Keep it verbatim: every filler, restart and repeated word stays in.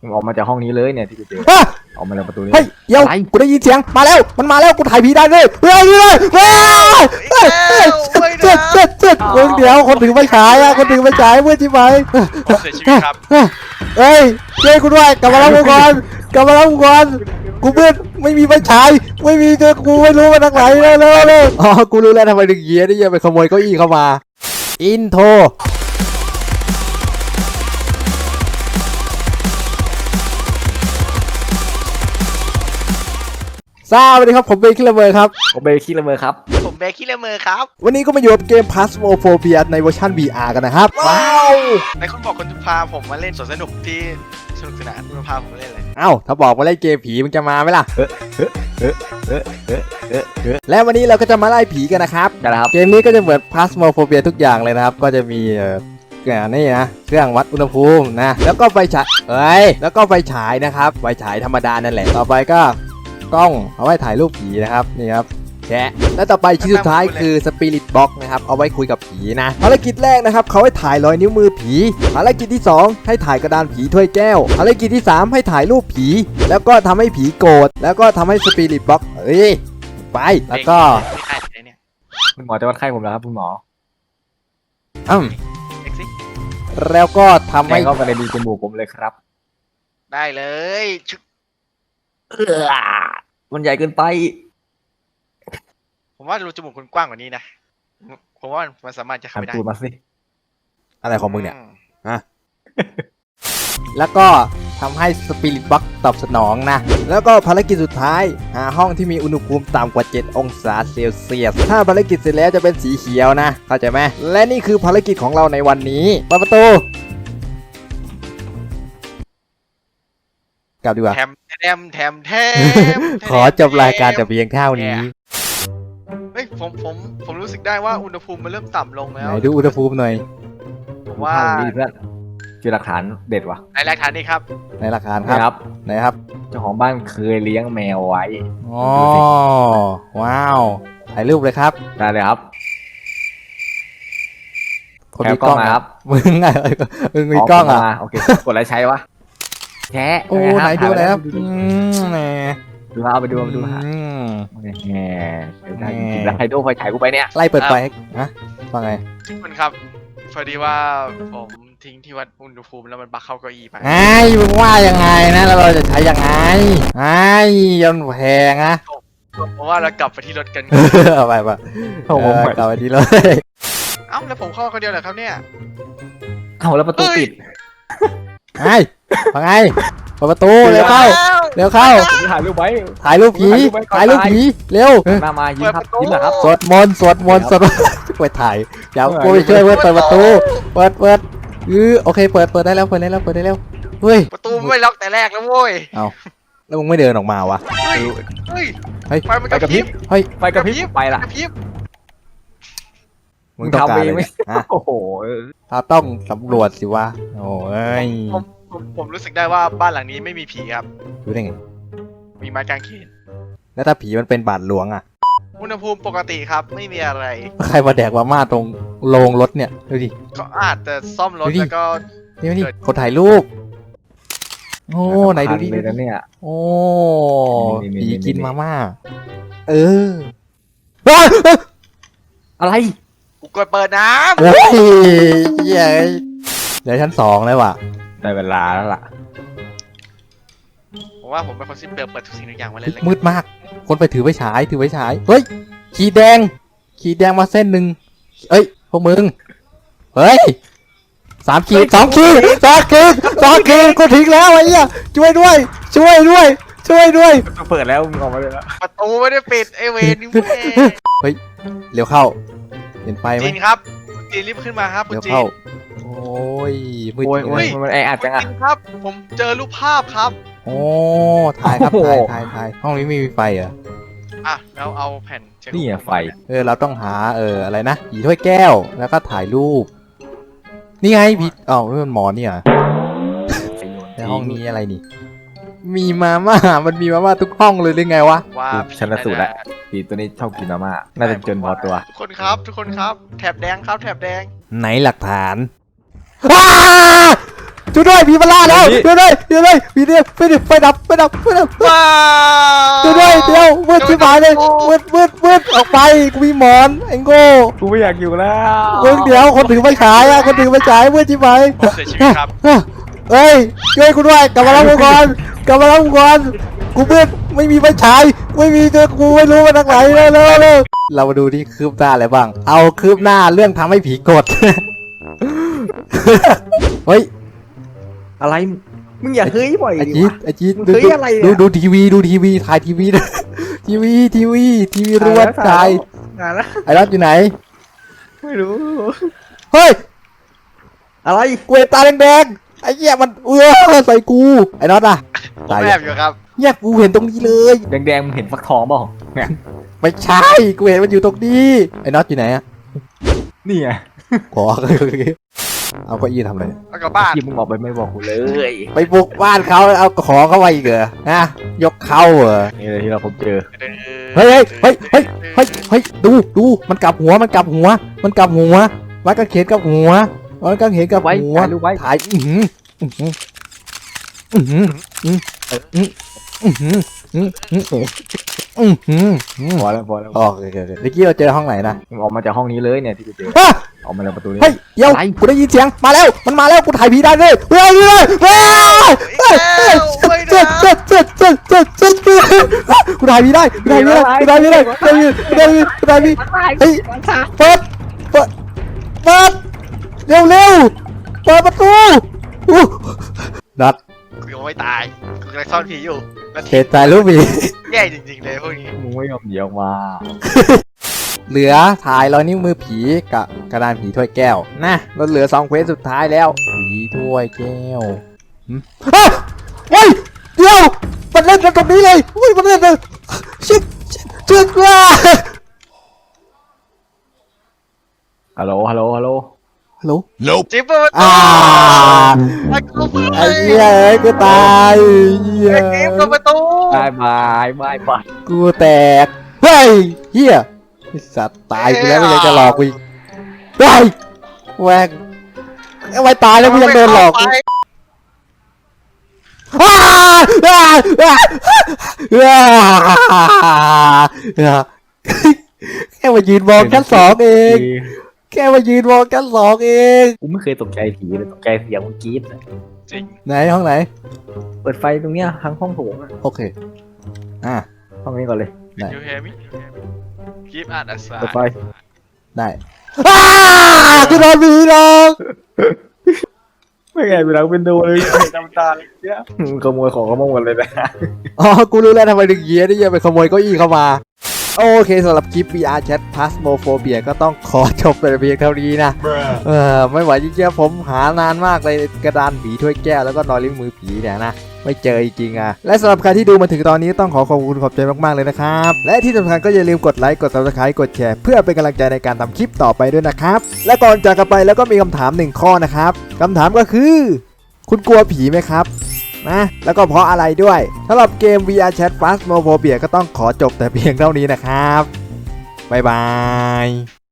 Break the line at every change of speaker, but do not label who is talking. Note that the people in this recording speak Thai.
มึงออกมาจากห้องนี้เลยเนี่ยที่กูเจอออกมาจากประตูนี้
เฮ้ยเดี๋ยวกูได้ยินเสียงมาแล้วมันมาแล้วกูถ่ายผีได้เลยเฮ้ยเลยเฮ้ยเจ็ดเจ็ดเจ็ดเดี๋ยวคนถือไฟฉายอ่ะคนถือไฟฉายเมื่อที่ไหม
เสียชีวิตครับ
เฮ้ยช่วยกูด้วยกลับมาแล้วกูก่อนกลับมาแล้วกูก่อนกูเพื่อนไม่มีไฟฉายไม่มีเจอกูไม่รู้มาทางไหนเลยเลยเลยอ๋อกูรู้แล้วทำไมถึงเยี้ยนี่ยังไปขโมยเก้าอี้เข้ามาอินโทรสวัสดีครับผมเบคิลเลอร์ครับ
ผมเบคิลเลอร์ครับ
ผมเบคิลเลอร์ครับ
วันนี้ก็มาอยู่กับเกม Phasmophobia ในเวอร์ชัน วี อาร์ กันนะครับว้าว
ในคุณบอกคุณจะพาผมมาเล่นสวนสนุกที่สนุกสนานคุณพาผมมาเล่นอะไร
เอ้าถ้าบอกมาเล่นเกมผีมึงจะมาไหมล่ะและวันนี้เราก็จะมาไล่ผีกันนะครับ
นะครับ
เกมนี้ก็จะเหมือน Phasmophobia ทุกอย่างเลยนะครับก็จะมีเอ่อนี่นะเครื่องวัดอุณหภูมินะแล้วก็ไฟฉายเอ้ยแล้วก็ไฟฉายนะครับไฟฉายธรรมดานั่นแหละต่อไปก็กล้องเอาไว้ถ่ายรูปผีนะครับนี่ครับแชะและต่อไปชิ้นสุดท้ายคือสปิริตบ็อกนะครับเอาไว้คุยกับผีนะภารกิจแรกนะครับเขาให้ถ่ายรอยนิ้วมือผีภารกิจที่สองให้ถ่ายกระดานผีถ้วยแก้วภารกิจที่สามให้ถ่ายรูปผีแล้วก็ทำให้ผีโกรธแล้วก็ทำให้สปิริตบ็อกเอ้ยไปแล้วก็
คุณหมอจะวัดไข้ผมแล้วครับคุณหมอ
อืมแล้วก็ทำให้
เข้าไปในรูจมูกผมเลยครับ
ได้เลย
เออมันใหญ่เกินไป
ผมว่ารูจมูกคุณกว้างกว่านี้นะผมว่ามันสามารถจะเข้าไปได้
มาสิ
อะไรของมึงเนี่ยฮะแล้วก็ทำให้สปิริตบ็อกตอบสนองนะแล้วก็ภารกิจสุดท้ายหาห้องที่มีอุณหภูมิต่ำกว่าเจ็ดองศาเซลเซียสถ้าภารกิจเสร็จแล้วจะเป็นสีเขียวนะเข้าใจไหมและนี่คือภารกิจของเราในวันนี้เปิดประตูกลับดีกว่า
แถมแถมแถมแถม
ขอจบรายการแต่เพียงเท่านี้
เฮ้ยผมผมผมรู้สึกได้ว่าอุณหภูมิมันเริ่มต่ำลงแล้ว
ไหนดูอุณหภูมิหน่อย
ผมว่า
ดีเพื่อนคือหลักฐานเด็ดวะ
ในหลักฐานนี่ครับ
ในหลักฐานครับไหนครับ
เจ้าของบ้านเคยเลี้ยงแมวไว้
อ๋อว้าวถ่ายรูปเลยครับ
ได้เลยครับ
คนมีกล้อง
ครับ
มึงไงมึงมีกล้องอ่ะ
โอเคกดอะไรใช้วะแชะ
โอ้ไหนดูแล้วครับแหม
ดูเอาไปดูไปดูฮะแหมได้จริงแล้วใครดูไฟฉายกูไปเนี่ย
ไล่เปิดไฟฮะว่าไง
คุณครับพอดีว่าผมทิ้งที่วัดอุณหภูมิแล้วมันบักเข้าเก้าอี้ไป
ไอ้มึงว่ายังไงนะแล้วเราจะใช้ยังไงไอ้ยันแพงนะ
เพราะว่าเรากลับไปที่รถกัน
เอาไปป่ะโอ้กลับไปที่รถ
เอ้าแล้วผมเข้าคนเดียวเหรอครับเนี่ย
เอาแล้วประตูปิด
ไอ้ว่าไงเปิดประตูเร็วเข้าเร็วเข้า
ถ่ายรูปไว้
ถ่ายรูปผีถ่ายรูปผีเร็ว
มามายิ้มครับยิ้มเหรอครับ
สวดมนต์สวดมนต์สวดไปถ่ายเดี๋ยวกูไปช่วยเพื่อนเปิดประตูเปิดเปิดอือโอเคเปิดเปิดได้แล้วเปิดได้แล้วเปิดได้แล้วเฮ้ย
ประตูไม่ล็อกแต่แรกแล้วโว้ย
เอาแล้วมึงไม่เดินออกมาวะ
เฮ้ยเฮ้ยไฟมันกระพริบ
เฮ้ย
ไฟกระพริบไปละ
มึงต้องการอะไร
โอ้โห
เราต้องสำรวจสิวะโอ้ย
ผมผมรู้สึกได้ว่าบ้านหลังนี้ไม่มีผีครับ
รู้ได้ไง
มีไม้กางเขน
แล้วถ้าผีมันเป็นบาดหลวงอ่ะ
อุณหภูมิปกติครับไม่มีอะไร
ใครมาแดกมาม่าตรงโรงรถเนี่ยดูดิ
ก็อาจจะซ่อมรถแล้วก็
นี่นี่คนถ่ายรูปโอ้ไหนดูดิ
เนี่ย
โอ้ผีกินมาม่าเออ
อะไร
กูกดเปิดน้ำ
เฮ้ยเย้ยเดี๋ยวชั้นสองเลยว่ะ
ได้เวลาแล้วล่ะ
ผมว่าผมเป็นคนที่เปิดเปิดทุกสิ่งทุกอย่างมาเลย
มืดมากคนไปถือไฟฉายถือไฟฉายเฮ้ยขีดแดงขีดแดงมาเส้นหนึ่งเอ้ยพวกมึงเฮ้ยสามขีดสองขีดสองขีดสองขีดกูทิ้งแล้วไอ้เหี้ยช่วยด้วยช่วยด้วยช่วยด้วย
เปิดแล้วมึงออกมาเลยแล้ว
ประตูไม่ได้ปิดไอเวรนี่
เฮ้ยเร็วเข้าเห็นไฟไหม
จีนครับจีนรีบขึ้นมาครับ
เร็วเข้าโอ้ยมืด
โอ้ยมันแออัดจังอ่ะ
ครับผมเจอรูปภาพครับ
โอ้ถ่ายครับถ่ายถ่ายถ่ายห้องนี้ไม่มีไฟเหรอ
อ่ะแล้วเอาแผ่น
นี่ไฟ
เออเราต้องหาเอออะไรนะผีถ้วยแก้วแล้วก็ถ่ายรูปนี่ไงผีอ๋อนี่มันหมอนี่เหรอในห้องนี้อะไรนี่มีมาม่ามันมีมาม่าทุกห้องเลยหรือไงวะ
ว่า
ชันสูตรแล้วผีตัวนี้ชอบกินมาม่าน่าจะจนพอตัว
ทุกคนครับทุกคนครับแถบแดงครับแถบแดง
ไหนหลักฐานช่วยด้วยผีมาล่าแล้วช่วยด้วยช่วยด้วยผีเนี่ยไฟดิไฟดับไฟดับไฟดับ
ว้า
ช่วยด้วยเดี๋ยวมืดชิบหายเลยมืดมืดมืดออกไปกูมีหมอนไอ้โง่
กูไม่อยากอยู่แล้ว
มึงเดี๋ยวคนถือไฟฉายอะคนถือไฟฉายมืดชิบหาย
ผมเสียชีวิตครับ
เฮ้ยช่วยกูด้วยกลับมารับกูก่อนกลับมารับกูก่อนกูมืดไม่มีไฟฉายไม่มีเจอกูไม่รู้มาทางไหนแล้วแล้วแล้วเรามาดูที่คืบหน้าอะไรบ้างเอาคืบหน้าเรื่องทำให้ผีกด เฮ้ย
อะไรมึงอย่าเฮ้ยบ่อย
ไอ
ดิ
จีด
วะ
ไอจีด
มึง
ดู
เฮ้ยอะไรเนี่ย
ดูดูทีวีดูทีวีถ่ายทีวีนะ ทีวีทีวีทีวีรวดถ่าย
งานละ
ไอ้รอดอยู่ไหน
ไม่รู้
เฮ้ย
อะไร
กูเห็นตาแดงๆไอ้เหี้ยมันเออใส่กูไอ้น็อตอะ
ผมแอบอยู่ครับ
เนี่ยกูเห็นตรงนี้เลย
แดงๆมึงเห็นฟักทองเปล่าเนี่ย
ไม่ใช่กูเห็นมันอยู่ตรงนี้ไอ้น็อตอยู่ไหนอะ
นี่ไง
ขอ เอาเก้าอี้ทำอะไร
แล้วก็บ้าน
ที่มึงบอกไปไม่บอกกูเลย
ไปบุกบ้านเขาเอาของเขาไปอีกเหรอนะยกเขาเหรอ
นี่เลยที่เราพบเจอ
เฮ้ยเฮ้ยเฮ้ยเฮ้ยเฮ้ยดูดูมันกลับหัวมันกลับหัว มันกลับหัวไม้กางเขนกลับหัวไม้กางเขนกลับ
ไว้
หัว
ถ่ายรูปไว้
ถ่ายอือหืออือหืออือหืออือหืออือหืออือหืออือหืออือ
พอแล้วพอแล้ว
โอเคโอเคโอเคเมื่อกี้เราเจอห้องไหนนะ
มึงออกมาจากห้องนี้เลยเนี่ยที่กูเจอ
ฮะ
ออกมาจากประตูนี้
เฮ้ยเดี๋ยว
อะไร
กูได้ยินเสียงมาแล้วมันมาแล้วกูถ่ายผีได้เลยเฮ้ยเฮ้ยเฮ้ยเฮ้ยเฮ้ยเฮ้ยเฮ้ยเฮ้ยเฮ้ยเฮ้ยเฮ้ยเฮ้ยกูถ่ายผีได้กูถ่ายผีได้กูถ่ายผีได้กูถ่ายผีกูถ่ายผีกูถ่ายผีเฮ้ยเปิดเปิดเปิดเร็วเร็วเปิดประตูอู้นัด
กูยังไม่ตายกูกำลังซ่อนผีอยู่แล้ว
เทใจรู้ผี
แย่จริงๆเลยพวกนี้
มึงไม่ยอมหนีออกมา
เหลือถ่ายรอยนิ้วมือผีกับกระดานผีถ้วยแก้วนะเราเหลือสองเควสสุดท้ายแล้วผีถ้วยแก้วหืมเฮ้ยเฮ้ยเดี๋ยวมันเล่นกันตรงนี้เลยอุ้ยมันเล่นเลยชิดชิดว่า
ฮัลโหลฮัลโหลฮัลโหล
ฮัลโหล
จิ๊บเปิด
อ่า
ไอ้กูเปิด
ไอ้เหี้ยเอ้ยกูตายเหี้ย
ไอ้จิ๊บเปิดประตู
บายบายบายบาย
กูแตกเฮ้ยเหี้ยไอ้สัตว์ตายกูแล้วไม่ยังจะหลอกกูอีกเฮ้ยแหวกเอาไว้ตายแล้วกูยังโดนหลอกกูอ้าอ้าอ้าอ้าแค่มายืนมองชั้นสองเอง แค่มายืนมองชั้นสองเอง
กูไม่เคยตกใจผีเลยตกใจเสียงมึงกรี๊ดเลย
จริง
ไหนห้องไหน
เปิดไฟตรงเนี้ยทั้งห้องโถงอะ
โอเคอ่ะ
ห้องนี้ก่อนเลย
ได้
ยูเฮมิกิฟต์อาร์ตอัส
เปิดไฟ
ได้อ้ากูโดนผีหลอก
ไม่ไงไปหลังเป็นโดเลยจำตาเลยเนี่ยมึงขโมยของขโมยหมดเลยนะ
อ๋อกูรู้แล้วทำไมถึงเยียนี่ยังไปขโมยเก้าอี้เข้ามาโอเคสำหรับคลิป วี อาร์ Chat Phasmophobia ก็ต้องขอจบแต่เพียงเท่านี้นะเออไม่ไหวจริงๆผมหานานมากเลยกระดานผีถ้วยแก้วแล้วก็นอยลิ้วมือผีเนี่ยนะไม่เจอจริงๆอ่ะและสำหรับใครที่ดูมาถึงตอนนี้ต้องขอขอบคุณขอบใจมากๆเลยนะครับและที่สำคัญก็อย่าลืมกดไลค์กด Subscribe กดแชร์เพื่อเป็นกำลังใจในการทำคลิปต่อไปด้วยนะครับและก่อนจากกันไปแล้วก็มีคำถามหนึ่งข้อนะครับคำถามก็คือคุณกลัวผีไหมครับนะแล้วก็เพราะอะไรด้วยสำหรับเกม วี อาร์ Chat Phasmophobia ก็ต้องขอจบแต่เพียงเท่านี้นะครับบ๊ายบาย